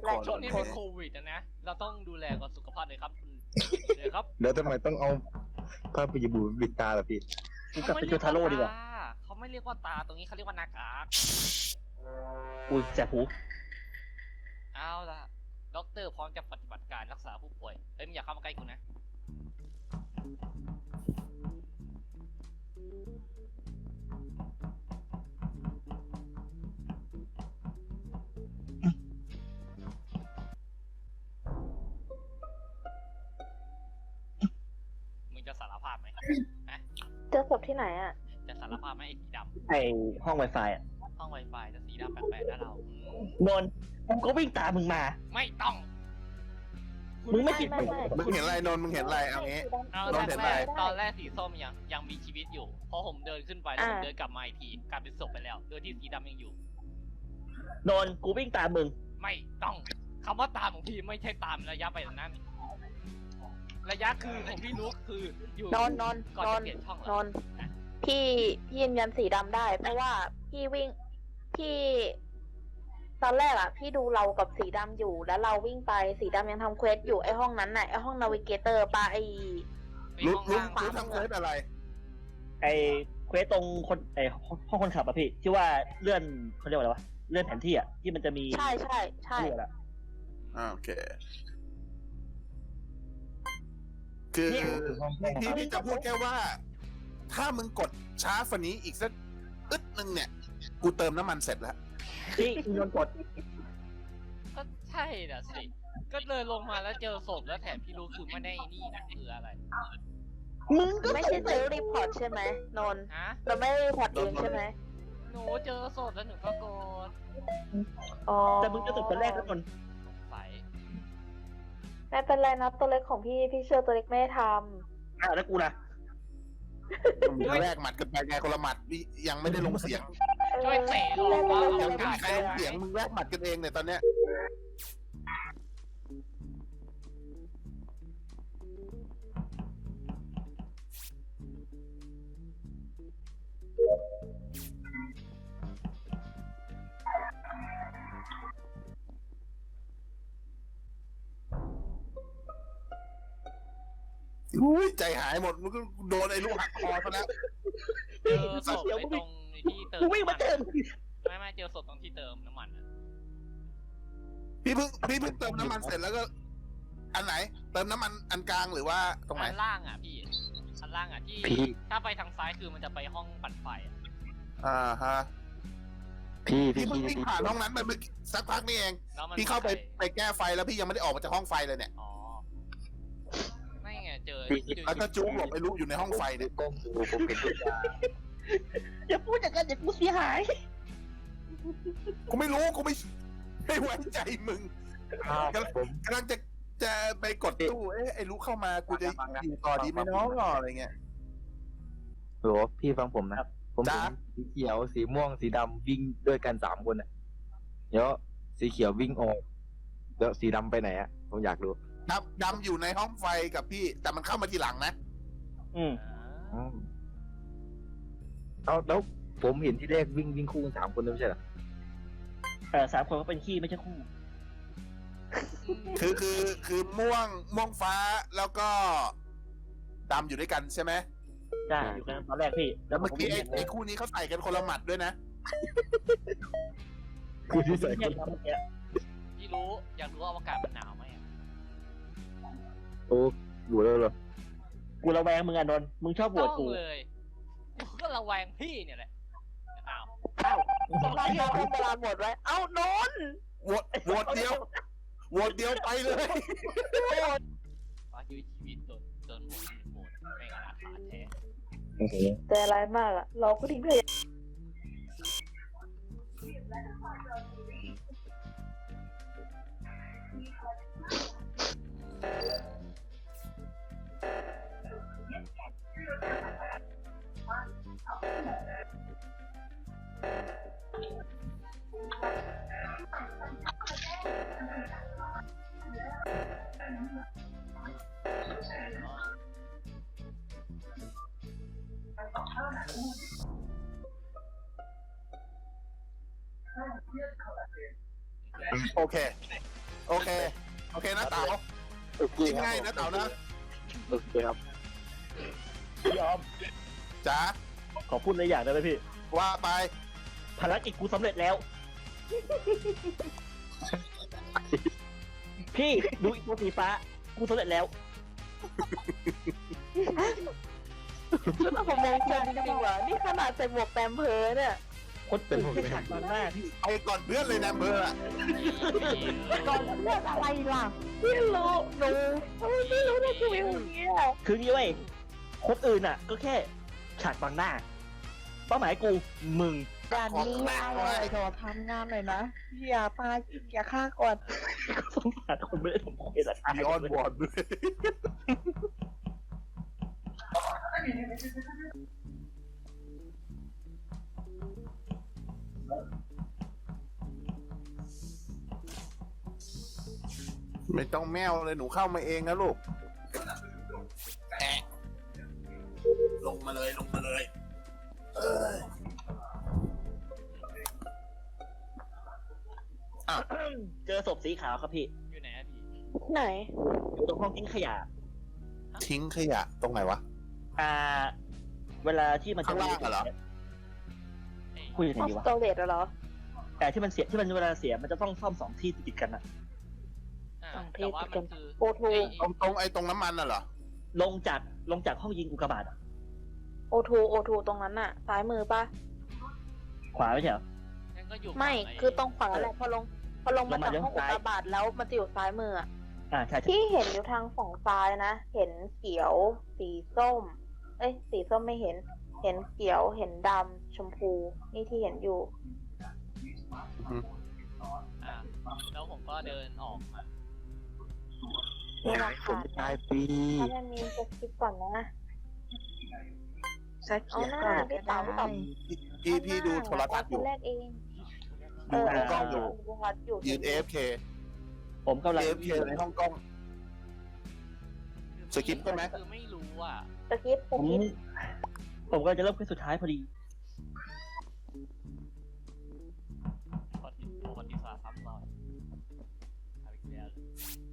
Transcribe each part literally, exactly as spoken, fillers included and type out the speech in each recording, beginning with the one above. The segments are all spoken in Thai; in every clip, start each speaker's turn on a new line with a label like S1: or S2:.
S1: คน
S2: ช่วงนี้เป็นโควิดนะนะเราต้องดูแลก่อนสุขภาพเลยครับคุณเลยครับ
S3: แล้วทำไมต้องเอาผ้าปิยบูปิดตาล่ะพี่
S4: กูกลับไปเจอทาโร่ดีกว่า
S2: เขาไม่เรียกว่าตาตรงนี้เขาเรียกว่าหน้ากาก
S4: กูแสบหู
S2: เอาล่ะด็อกเตอร์พร้อมจะปฏิบัติการรักษาผู้ป่วยเอ้ยมึงอย่าเข้ามาใกล้กูนะมึงจะสารภาพไหมฮะ
S5: เจอศพที่ไหนอ่ะ
S2: จะสารภาพไหมไอ้สีด
S4: ไอห้องไวไฟอ่ะ
S2: ำห้องไวไฟจะสีดำแปลกๆนะเราอืม
S4: นนท์กูก็วิ่งตามมึงมา
S2: ไม่ต้อง
S4: มึงไม่ผิด
S5: ไม่ไม่
S3: มึงเห็นอะไรนนท์มึงเห็นอะไรเอางี้
S2: เอา
S3: ล
S2: ต
S3: อ
S2: อง น
S3: เห็น
S2: แร
S3: ไหม
S2: กตอนแรกสีส้มยังยังมีชีวิตอยู่พอผมเดินขึ้นไปแล้วผมเดินกลับมาอีกทีกลายเป็นศพไปแล้วโดยที่สีดำยังอยู่
S4: นนท์กูวิ่งตามมึง
S2: ไม่ต้องคำว่าตามของพี่ไม่ใช่ตามระยะไปแบบนั้น ระยะคือของพี่นุ๊กคืออยู่
S5: นอนนอน
S2: ก่อน
S5: นอ
S2: จะ
S5: น
S2: เปลี่ยนช่องเหร
S5: นอนพี่พี่ยืนยันสีดำได้ เพราะว่าพี่วิ่งพี่ ตอนแรกอ่ะ พี่ดูเรากับสีดำอยู่แล้วเราวิ่งไปสีดำยังทำเควสอยู่ไอห้องนั้นน่ะไอห้องนาวิเกเตอร์ปะไอ
S2: ไอ้
S3: รู้
S2: ห้อง
S3: รู้
S2: ล่าง
S3: รู้ทำเควสอะไร
S4: ไอเควสตรงคนไอห้องคนขับอะพี่ที่ว่าเลื่อนเขาเรียกว่าอะไรวะเลื่อนแผนที่อะที่มันจะมี
S5: ใช่ใช่ใช่
S4: เลื่อนอะ
S3: อ่าโอเค คือพี่พี่จะพูดแค่ว่า ถ้ามึงกดช้าฝันนี้อีกสักอึดหนึ่งเนี่ย กูเติมน้ำมันเสร็จแล้ว
S4: ที่นนท์กด
S2: ก็ใช่น่ะสิก็เลยลงมาแล้วเจอศพแล้วแถมพี่รู้คือไม่ได้นี่นะคืออะไร
S4: มึงก็
S5: ไม่ใช่ซื้อรีพอร์ตใช่ไหมนนท์
S2: ฮะ
S5: เราไม่ได้รีพอร์ตเองใช่ไหม
S2: หนูเจอศพแล้วหนูก็โกรธ
S5: อ๋อ
S4: แต่มึงจะตกคนแรกแล้วนนท์
S2: สงสัย
S5: ไม่เป็นไรนะตัวเล็กของพี่พี่เชื่อตัวเล็กไม่ได้ท
S4: อ้าวแล้วกูนะ
S3: แรกหมัดกันไปไงคนละหมัดนี่ยังไม่ได้ลงเสียง
S5: ำ
S2: ช่วยเตะออกว่า
S3: ยัง
S2: เอา
S3: ไม่
S2: กา
S3: มี
S2: ศ
S3: ใครลงเสียงมึงแรกหมัดกันเองเนี่ยตอนเนี้ย อุ้ยใจหายหมดมึงก็โดนไอ้ลูกหักคอซะแล้ว
S2: เจอศพไอ้ตรงที่เติม
S4: กูวิ่งมา
S2: น้ำ
S4: เจอ
S2: มัน
S4: มึง
S2: ไม่ไม่เจอศพตรงที่เติมน้ำมันอะ
S3: พี่เพิ่งพี่เพิ่งเติมน้ำมันเสร็จแล้วก็ อันไหน เติมน้ำมันอันกลางหรือว่าตรงไหน
S2: อันล่างอ่ะพี่อันล่างอ่ะที่
S6: พี่
S2: ถ้าไปทางซ้ายคือมันจะไปห้องปั่นไฟอะ
S3: อ่าฮะ
S6: พี่
S3: พี่
S6: พี่
S3: เพิ่ง
S6: พี่
S3: วิ่งผ่านห้องนั้นไปเมื่อกี้สักพักนี่เอง
S2: แล้วมัน
S3: พี่เข้าไป
S2: ม่
S3: ไปแก้ไฟแล้วพี่ยังไม่ได้ออกมาจากห้องไฟเลยเนี่ย
S2: อ๋อไม่ไงเจอ
S3: แล้วก็จุ๊บหลบไปรู้อยู่ในห้องไฟเนี่ย
S6: ก้มดูผมเห็นทุกอย่าง
S4: อย่าพูดอย่างนั้นเดี๋ยวกูเสียหาย
S3: กูไม่รู้กูไม่ไม่ไว้ใจมึง
S6: อ้าวผม
S3: กำลังจะจะไปกดตู้เอ๊ะไอ้รู้เข้ามากูจะอยู่ต่อดีไหมน้องอะไรเงี้ย
S6: โหพี่ฟังผมนะ ผม
S3: จ๊ะ
S6: เห็นสีเขียวสีม่วงสีดำวิ่งด้วยกันสามคนอ่ะเดี๋ยวสีเขียววิ่งออกแล้วสีดำไปไหนอ่ะผมอยากรู้
S3: ดำดำอยู่ในห้องไฟกับพี่ แต่มันเข้ามาทีหลังนะ
S4: อืม
S6: อืมเอาแล้วผมเห็นที่แรกวิ่งวิ่งคู่กันสามคนเลยไม่ใช่เหรอ
S4: เออสามคนก็เป็นขี้ไม่ใช่คู่
S3: คือคือคือม่วงม่วงฟ้าแล้วก็ดำอยู่ด้วยกันใช่ไหม
S4: ใช่อยู่กันตอนแรกพี่
S3: แล้วเมื่อกี้ไอ้ไอ้คู่นี้เขาใส่กันคนละหมัดด้วยนะ
S6: คือที่ใส่
S4: ใช่ครับเมื่อกี้
S2: พี่รู้อยากรู้ว่าอากาศมันหนาวไหมอะ
S6: โอ้อยู่แล้วเหรอ
S4: กูระแวงมึงอะนนท์มึงชอบโหว
S2: ต้
S4: ต
S2: อง
S4: กู
S2: เลยกูก็ระแวงพี่เนี่ยแหละอ้าว
S5: เวลาที่เราเวลาหมดไว้ เอ้านนท์
S3: โหวตโหวตเดียวโหวตเดียวไปเลย
S2: ฟ้าชีวิตชีวิตจนจนหมดหมดไม่อนาถาแท้
S6: โอ้โห
S5: แต่อะไรมากอ่ะ เราก็ทิ้งเลย
S3: โอเคโอเค โอเคนะเต๋า
S6: โอเค
S3: กินง่ายนะเต๋านะ
S6: โอเคครับ
S4: พี่ออม
S3: จ๋า
S4: ขอพูดอะไรอย่างได้ไหมพี่
S3: ว่าไป
S4: ภารกิจกูสำเร็จแล้ว พี่ดูอีกตัวสีฟ้ากูสำเร็จแล้ว
S5: ผมมองจริงจริงว่ะนี่ขนาดใส่หมวกแปมเพอเนี่ย
S4: คนตื่นแค่ฉากตอนหน้าพี่
S3: ไปก่อนเพื่อนเลยนะเบอร์อะ
S5: ก่อนเลือกอะไรล่ะพี่รู้หนูทำไมพี่รู้ได้ชีวิตอย่างเงี้ย
S4: คืองี้เว้ยคนอื่นอ่ะ ก็แค่ฉากบางหน้า เป้าหมายกูมึง
S5: ด่านนี้อะไรขอทำงานหน่อยนะอย่าพาอย่าฆ่าก่อน
S4: ก็สงสารคนไม่ได้ทำคุยสัตว์
S3: มีออนบอร์ดด้วย ไม่ต้องแมวเลยหนูเข้ามาเองนะลูกแอะลงมาเลยลงมาเลย เอออ่ะ
S4: เจอศพสีขาวครับพี่
S2: อยู่ไหนอะพี่
S5: ไหน
S4: อยู่ตรงห้องทิ้งขยะ
S3: ทิ้งขยะตรงไหนวะ
S4: อ่า เวลาที่มันจะ
S3: ข้างล่างอะเหรอ
S4: คุยยังไง
S5: ออฟ
S4: ดีวะ
S5: สโตเรจเหรอ
S4: แต่ที่มันเสียที่มันเวลาเสียมันจะต้องซ่อมสองที่ติดกันอะ
S2: อ่า
S5: สองเพ
S2: แต่
S5: ศ
S2: ว่า
S5: ติด
S2: มั
S5: กัน น
S2: คือ
S5: โอทู
S2: ไอ้
S3: ตรงตรงไอ้ตรงน้ำมันน่ะเหรอ
S4: ลงจากลงจากห้องยิงอุกกาบาตอะ
S5: โอทูโอทูตรงนั้นน่ะ ซ้ายมือปะ
S4: ขวาไม่ใช่เหรอ
S2: นั่นก็อยู่
S5: ไม่
S2: ฝั่ง
S5: คือตรงขวาแหละพอลงพอลงมา
S4: ลงมา
S5: จากห้องอุ
S4: เลี้ยวซ้าย
S5: กกาบาตแล้วมันจะอยู่ซ้ายมืออะ
S4: อ่าใช่ใช่
S5: ที่เห็นอยู่ทางฝั่งซ้ายนะ เห็นเขียว สีส้ม เอ้ย สีส้มไม่เห็น เห็นเขียว เห็นดำ ชมพู นี่ที่เห็นอยู่
S2: อ่าแล้วผมก็เดินออกมา
S5: นี่รา
S6: ผ
S5: คาม
S6: ตายฟรี
S5: ถ้ามันมีจะคิดก่อนนะ
S1: สัก
S5: เอา
S1: เขีย
S5: หน้า
S1: ก่อน
S5: พี่
S1: ก็
S5: เต๋า
S1: ได้
S3: พี่พี่ดูโทรทัศน์อยู่
S5: คนแรกเอง เอ
S3: ดู
S5: อ
S3: ในกล้องอยู่
S5: ดูโทรทัศน์อยู่
S3: ยืน เอ ฟ เค
S4: ผมกำลัง
S3: เอ ฟ เค ในห้องกล้อง สคริปต์ใช่ไหม
S2: คือไม่รู้อ่ะ
S5: สคริปต์ส
S4: ผม
S5: คริปต์
S4: ผมก็จะเริ่มขึ้นสุดท้ายพอดี
S2: ประวัติประวัติศาสตร์ซ้ำรอยเอาอีกแล้วเลย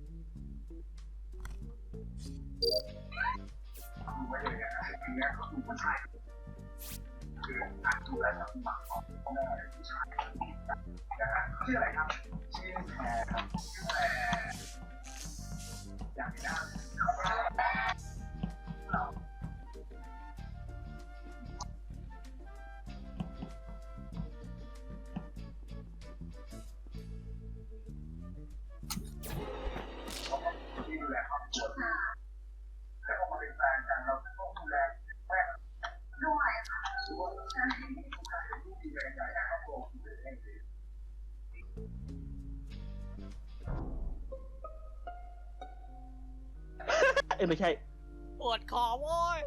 S4: เอ้ยไม่ใช่
S2: ปวดคอโว้ย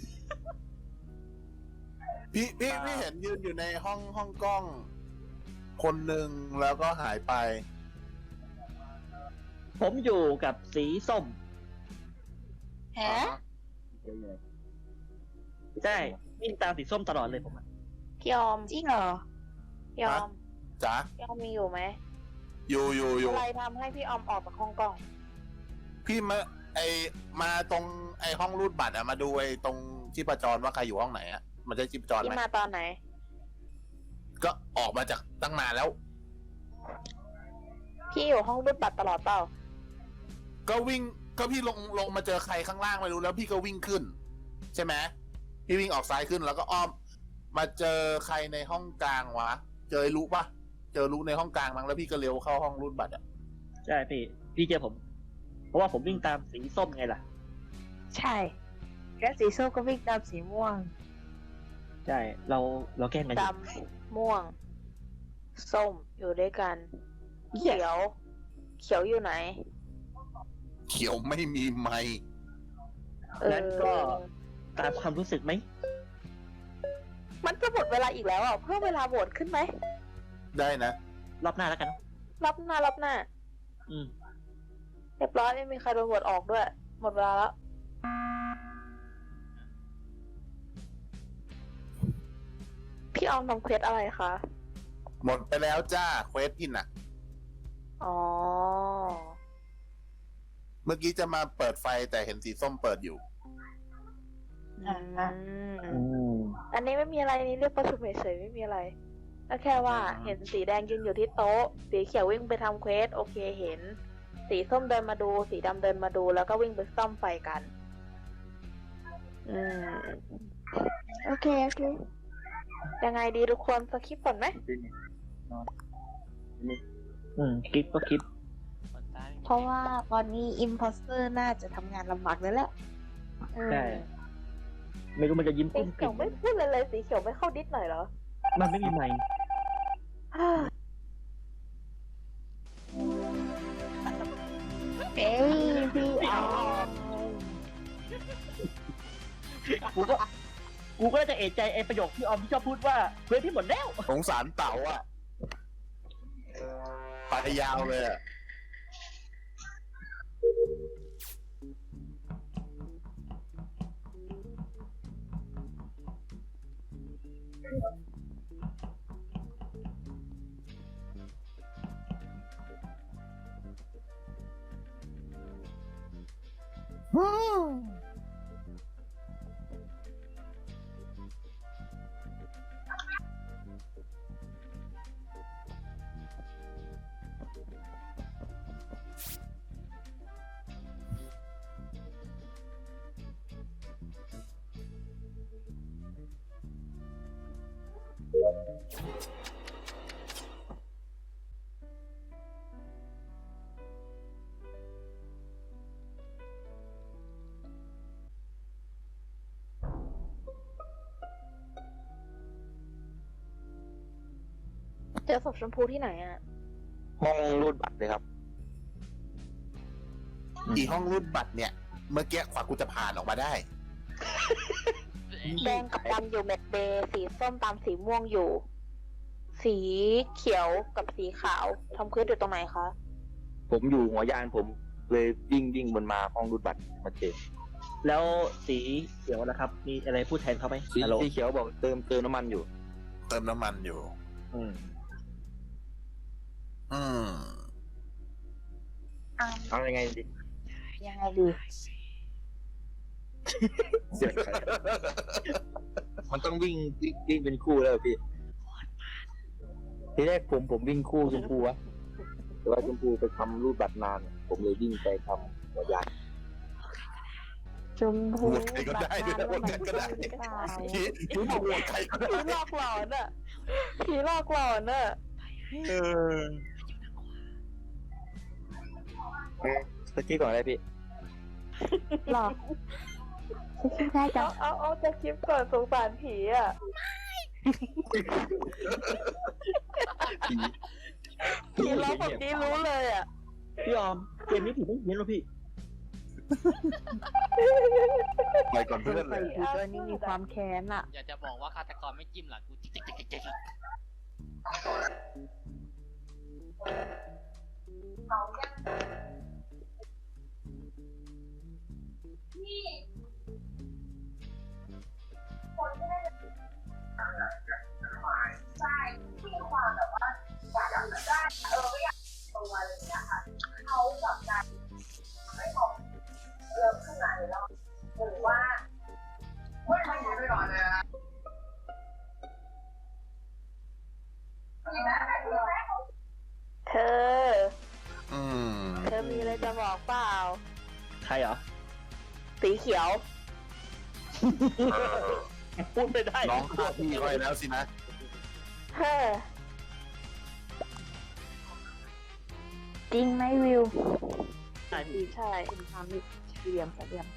S3: พี่พี่พี่เห็นยืนอยู่ในห้องห้องกล้อง คนหนึ่งแล้วก็หายไป
S4: ผมอยู่กับสีส้ม
S5: ฮะ
S4: ใช่วิ่งตามสีส้มตลอดเลยผมอะ
S5: พี่ออม
S1: จริงเหรอ
S5: พี่ออม
S3: จ๋า
S5: พี่ออมมีอยู่ไหม
S3: อยู่อยู่อยู่
S5: อะไรทำให้พี่ออมออกจากห้องกล้อง
S3: พี่มาไอมาตรงไอห้องรูดบัตรอะมาดูไอตรงชีพจรว่าใครอยู่ห้องไหนอะมันจะชีพจร
S5: พี่
S3: ไหม
S5: มาตอนไหน
S3: ก็ออกมาจากตั้งนานแล้ว
S5: พี่อยู่ห้องรูดบัตรตลอดเปล่า
S3: ก็วิ่งก็พี่ลงลงมาเจอใครข้างล่างไม่รู้แล้วพี่ก็วิ่งขึ้น ใช่ไหมพี่วิ่งออกซ้ายขึ้นแล้วก็อ้อม มาเจอใครในห้องกลางวะ เจอรู้ปะเจอรู้ในห้องกลางมั้งแล้วพี่ก็เลี้ยวเข้าห้องรูดบัตรอะ
S4: ใช่พี่ พี่เจอผม เพราะว่าผมวิ่งตามสีส้มไงล่ะ
S1: ใช่แล้วสีส้มก็วิ่งตามสีม่วง
S4: ใช่ เราเราแกล้งกันอ
S5: ด
S4: ยู่
S5: ำ ม่วง ส้ม อยู่ด้วยกัน เขียว เขียวอยู่ไหน
S3: เขียวไม่มีไมค์
S5: เออ
S4: งั้นก็ตามความรู้สึกไหม
S5: มันจะหมดเวลาอีกแล้วอ่ะ เพิ่มเวลาโหวตขึ้นไหม
S3: ได้นะ
S4: รอบหน้าแล้วกันเนอะ
S5: รับหน้ารับหน้า
S4: อืม
S5: เรียบร้อยไม่มีใครโดนโหวตออกด้วย หมดเวลาแล้ว พี่ออมทำเควสอะไรคะ
S3: หมดไปแล้วจ้าเควสพินอะ
S5: อ๋อ
S3: เมื่อกี้จะมาเปิดไฟแต่เห็นสีส้มเปิดอยู่
S5: อืม
S4: อืม
S5: อันนี้ไม่มีอะไรนี่เรียกประชุมเฉยๆไม่มีอะไรก็แค่ว่า
S3: อ่า
S5: เห็นสีแดงยืนอยู่ที่โต๊ะ สีเขียววิ่งไปทำเควสโอเคเห็น สีส้มเดินมาดู สีดำเดินมาดูแล้วก็วิ่งไปซ่อมไฟกัน อืมโอเคโอเคยังไงดีทุกคนสคิปก่อนไหม
S4: อืมคิดก็คิด
S2: คนตาย
S1: เพราะว่าตอนนี้อิมพอสเตอร์น่าจะทำงานลำบากแล้วแหละ
S5: อืม
S4: ใช่ ไม่รู้มันจะยิ้ม
S5: สี
S4: กุ้ม
S5: เขี
S4: กิ่
S5: ยว
S4: ม
S5: ไม่พูดเลยเลยสีเขียวไม่เข้าดิสหน่อยเหรอ
S4: มันไม่มีไมค์
S5: ฮ่า
S1: เอ้ยพี่เอา
S4: กูก็กูก็จะเอะใจไอ้ประโยคที่ออมที่ชอบพูดว่าเควสพี่หมดแล้ว
S3: สงสารเต๋าอ่ะไปยาวเลยอะ
S5: เจอศพชมพูที่ไหนอ่ะ
S6: ห้องรูดบัตรเลยครับ
S3: อีห้องรุ่นบัตรเนี่ย เมื่อกี้กว่ากูจะผ่านออกมาได้
S5: แดงกับดำอยู่แมตเบย์สีส้มตามสีม่วงอยู่ สีเขียวกับสีขาวทำเควสอยู่ตรงไหนคะ
S6: ผมอยู่หัวยานผมเลยวิ่งวิ่งบนมาห้องรูดบัตรมาเจอ
S4: แล้วสีเขียวนะครับ มีอะไรพูดแทนเขาไหม
S6: สี
S4: ฮัลโหล
S6: สีเขียวบอกเติมเติมน้ำมันอยู่
S3: เติมน้ำมันอยู่
S4: อืม
S3: อืม
S6: เอายังไงดี
S1: ยังไงดี
S6: เสียงใครมันต้องวิ่งวิ่งวิ่งเป็นคู่แล้วพี่ ทีแรกผมผมวิ่งคู่ชมพูวะแต่ว่าชมพูไปทำรูดบัตรนาน ผมเลยวิ่งไปทำหัวยาน
S1: ชมพู
S3: โหวตใครก็ได้ด้วยนะโหวตใครก็ได้
S1: หรือเปล่า
S3: ผีผีบอกโหวตใครก็ได้
S5: ผีหลอกหลอนอ่ะผีหลอกหลอนอ่ะ
S3: เออ
S6: สกี้ก่อนอะไรพี่
S1: หรอฉันคิดได้จั
S5: เอา
S1: ง
S5: เอาเอาจะคลิปก่อนสงสารผีอ่ะ
S6: ผี
S5: ผีร้องแบบนี้รู้เลยอ่ะ
S4: พี่ออมเกมนี้ผีไม่เพี้ยนหรอพี่
S3: ไปก่อนเพื่อนเลย
S1: ผีตัวนี้มีความแค้นอ่ะ
S2: อยากจะบอกว่าฆาตกรไม่จิ้มหลังกูจิ๊กจิ๊กจิ๊กจิ๊กจิ๊ก
S5: เธอ
S3: อืม
S5: เธอมีอะไรจะบอกเปล่า
S4: ใครเหรอ
S5: สีเขียว
S4: พูดไม่ได้
S3: น้องฆ่าพี่ไว้แล้วสินะ
S5: เฮ้อ
S1: จริงไหมวิว
S4: ใช่พี่
S5: ใช่
S1: คุณทำนี่เรียมเรียม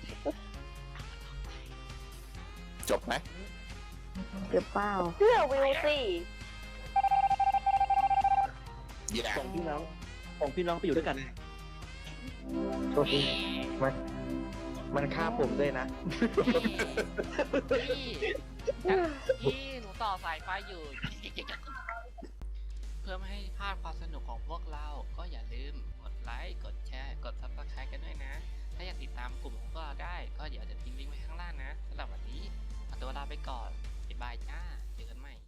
S3: จบไหม
S1: หรือเปล่า
S5: เชื่อวิวสิ
S3: อย่า
S4: ส่งพี่น้องส่งพี่น้องไปอยู่ด้วยกัน
S6: โทษทีมันมันฆ่าผมด้วยนะ
S2: พี่พี่หนูต่อสายไฟอยู่ เพื่อไม่ให้พลาดความสนุกของพวกเรา ก็อย่าลืมกดไลค์ กดแชร์ กด ซับสไครบ์ กันด้วยนะ ถ้าอยากติดตามกลุ่มของพวกเราได้ ก็เดี๋ยวจะทิ้งลิงก์ไว้ข้างล่างนะสำหรับวันนี้ขอตัวลาไปก่อน บ๊ายบายจ้า